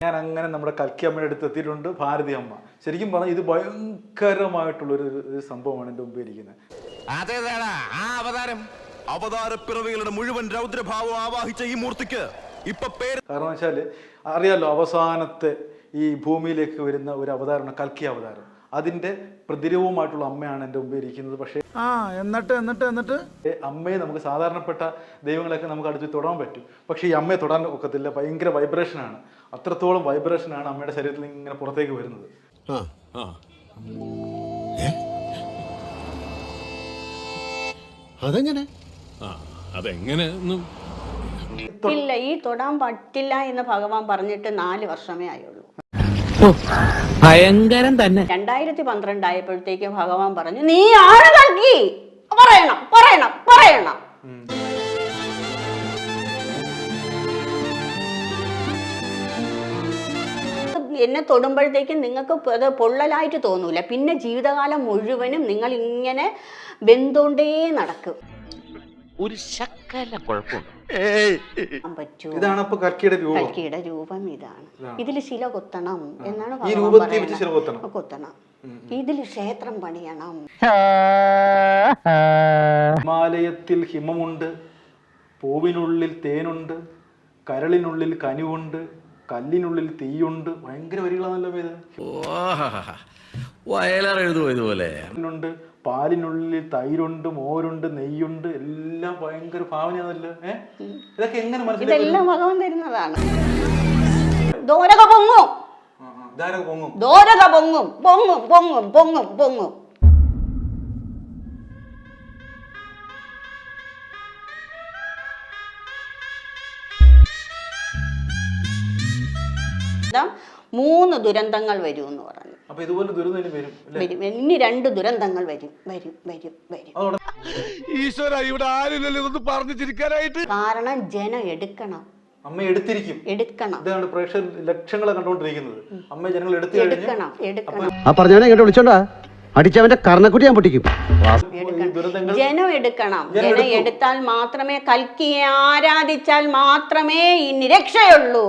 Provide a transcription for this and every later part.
ഞാൻ അങ്ങനെ നമ്മുടെ കൽക്കി അമ്മയുടെ അടുത്ത് എത്തിയിട്ടുണ്ട്. ഭാരതി അമ്മ ശരിക്കും പറഞ്ഞാൽ ഇത് ഭയങ്കരമായിട്ടുള്ളൊരു സംഭവമാണ് എൻ്റെ മുമ്പ് ഇരിക്കുന്നത്. അവതാരപ്പിറവികളുടെ മുഴുവൻ രൗദ്രഭാവം ആവാഹിച്ച ഈ മൂർത്തിക്ക് ഇപ്പൊ പേര് കാരണം വെച്ചാല് അറിയാലോ, അവസാനത്തെ ഈ ഭൂമിയിലേക്ക് വരുന്ന ഒരു അവതാരമാണ് കൽക്കി അവതാരം. അതിന്റെ പ്രതിരൂപമായിട്ടുള്ള അമ്മയാണ് എൻ്റെ മുമ്പ് ഇരിക്കുന്നത്. പക്ഷേ എന്നിട്ട് അമ്മയെ നമുക്ക് സാധാരണപ്പെട്ട ദൈവങ്ങളൊക്കെ നമുക്ക് അടുത്ത് തൊടാൻ പറ്റും, പക്ഷേ ഈ അമ്മയെ തൊടാൻ ഒക്കത്തില്ല. ഭയങ്കര വൈബ്രേഷനാണ്, അത്രത്തോളം വൈബ്രേഷനാണ് അമ്മയുടെ ശരീരത്തിൽ ഇങ്ങനെ പുറത്തേക്ക് വരുന്നത്. അതെങ്ങനെ ഇല്ല, ഈ തൊടാൻ പറ്റില്ല എന്ന് ഭഗവാൻ പറഞ്ഞിട്ട് 4 വർഷമേ ആയുള്ളൂ. ഭയങ്കരം തന്നെ. 2012 ആയപ്പോഴത്തേക്ക് ഭഗവാൻ പറഞ്ഞു, നീ ആണ് കൽക്കി, പറയണം പറയണം പറയണം. എന്നെ തൊടുമ്പോഴത്തേക്കും നിങ്ങൾക്ക് അത് പൊള്ളലായിട്ട് തോന്നൂല. പിന്നെ ജീവിതകാലം മുഴുവനും നിങ്ങൾ ഇങ്ങനെ വെന്തോണ്ടേ നടക്കും. ഒരു ശക്കല കുഴപ്പമുണ്ട്. ഇതാണ് കൽക്കിയുടെ രൂപം. ഇതാണ്. ഇതിൽ ശില കൊത്തണം എന്നാണ് കൊത്തണം. ഇതിൽ ക്ഷേത്രം പണിയണം. ഹിമാലയത്തിൽ ഹിമമുണ്ട്, പൂവിനുള്ളിൽ തേനുണ്ട്, കരളിനുള്ളിൽ കനിവുണ്ട്, കല്ലിനുള്ളിൽ തീയുണ്ട്. ഭയങ്കര വരികളാണല്ലോ ഇത്. വയലാറെഴുതുപോലെ പാലിനുള്ളിൽ തൈരുണ്ട്, മോരുണ്ട്, നെയ്യുണ്ട്, എല്ലാം ഭയങ്കര ഭാവനയാണല്ലോ. ഇതൊക്കെ എങ്ങനെ മനസ്സിലായി? ഇതെല്ലാം ഭഗവാൻ തരുന്നതാണ്. ദോരക പൊങ്ങും, പൊങ്ങും പൊങ്ങും പൊങ്ങും പൊങ്ങും. മൂന്ന് ദുരന്തങ്ങൾ വരും എന്ന് പറഞ്ഞു. ഇനി 2 ദുരന്തങ്ങൾ വരും. ഈശ്വര, ഇവിടെ ആരില്ലല്ലോ ഇതൊന്ന് പറഞ്ഞു ചിരിക്കാനായിട്ട്. കാരണം ജനം എടുക്കണം. അമ്മ എടുത്തിരിക്കും. ഇതാണ് പ്രേക്ഷകർ ലക്ഷങ്ങളെ കണ്ടുകൊണ്ടിരിക്കുന്നത്. അമ്മ ജനങ്ങൾ എടുക്കണം. ആ പറഞ്ഞവനെ ഇങ്ങോട്ട് വിളിച്ചോണ്ടാ അടിച്ചവന്റെ കർണക്കുട്ടി ഞാൻ പൊട്ടിക്കും. ജനം എടുക്കണം. ജനം എടുത്താൽ മാത്രമേ, കൽക്കിയെ ആരാധിച്ചാൽ മാത്രമേ ഇനി രക്ഷയുള്ളൂ.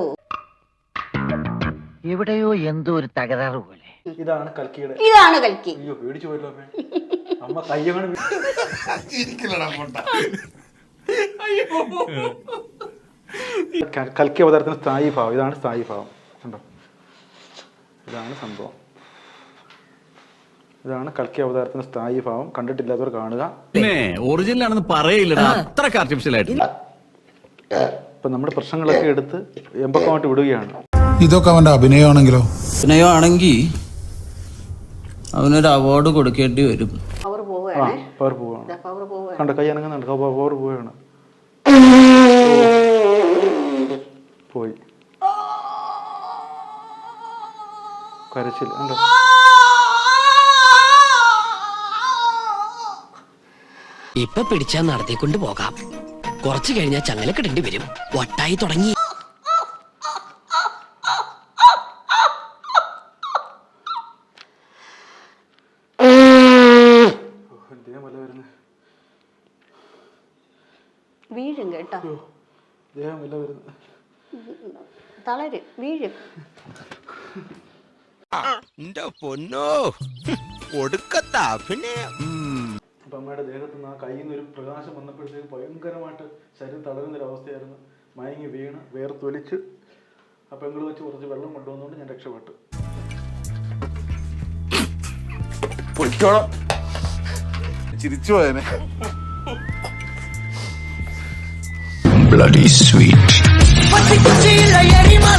എവിടെയോ എന്തോ ഒരു തകരാറ് പോലെ. ഇതാണ് കൽക്കി. അയ്യോ, പേടിച്ചു പോയല്ലോ അമ്മ. അമ്മ കയ്യങ്ങനെ കൽക്കി അവതാരത്തിന് സ്ഥായി ഭാവം. ഇതാണ് സ്ഥായി ഭാവം. കണ്ടോ, ഇതാണ് സംഭവം. ഇതാണ് കൽക്കി അവതാരത്തിന് സ്ഥായി ഭാവം. കണ്ടിട്ടില്ലാത്തവർ കാണുക. ഒറിജിനൽ ആണെന്ന് പറയില്ല, അത്രക്ക് ആർട്ടിഫിഷ്യൽ ആയിട്ട്. ഇപ്പൊ നമ്മുടെ പ്രശ്നങ്ങളൊക്കെ എടുത്ത് എമ്പക്കമായിട്ട് വിടുകയാണ്. ഇതൊക്കെ അവന്റെ അഭിനയമാണെങ്കിൽ അവനൊരു അവാർഡ് കൊടുക്കേണ്ടി വരും. പവർ പോവാണ്. കണ്ട കൈ അനങ്ങുന്നുണ്ട്. പവർ പോവുകയാണ്. പോയി കരച്ചിൽ. കണ്ടോ, ഇപ്പൊ പിടിച്ചാ നടത്തിക്കൊണ്ട് പോകാം. കുറച്ചു കഴിഞ്ഞാൽ ചങ്ങലക്കിടേണ്ടി വരും. വട്ടായി തുടങ്ങി. വീഴും കേട്ടോ, തളരും, വീഴും. പൊന്നോ, ഒടുക്കത്ത അഭിനയം. അപ്പൊ അമ്മയുടെ ദേഹത്ത് നിന്ന് ആ കയ്യിൽ നിന്ന് ഒരു പ്രകാശം വന്നപ്പോഴത്തേക്ക് ഭയങ്കരമായിട്ട് ശരീരം തളരുന്നൊരവസ്ഥയായിരുന്നു. മയങ്ങി വീണ് വേർത്തൊലിച്ച് ആ പെങ്ങള് വെച്ച് കുറച്ച് വെള്ളം കൊണ്ടുവന്നുകൊണ്ട് ഞാൻ രക്ഷപ്പെട്ടു. ചിരിച്ചു പോയനെ. bloody sweet.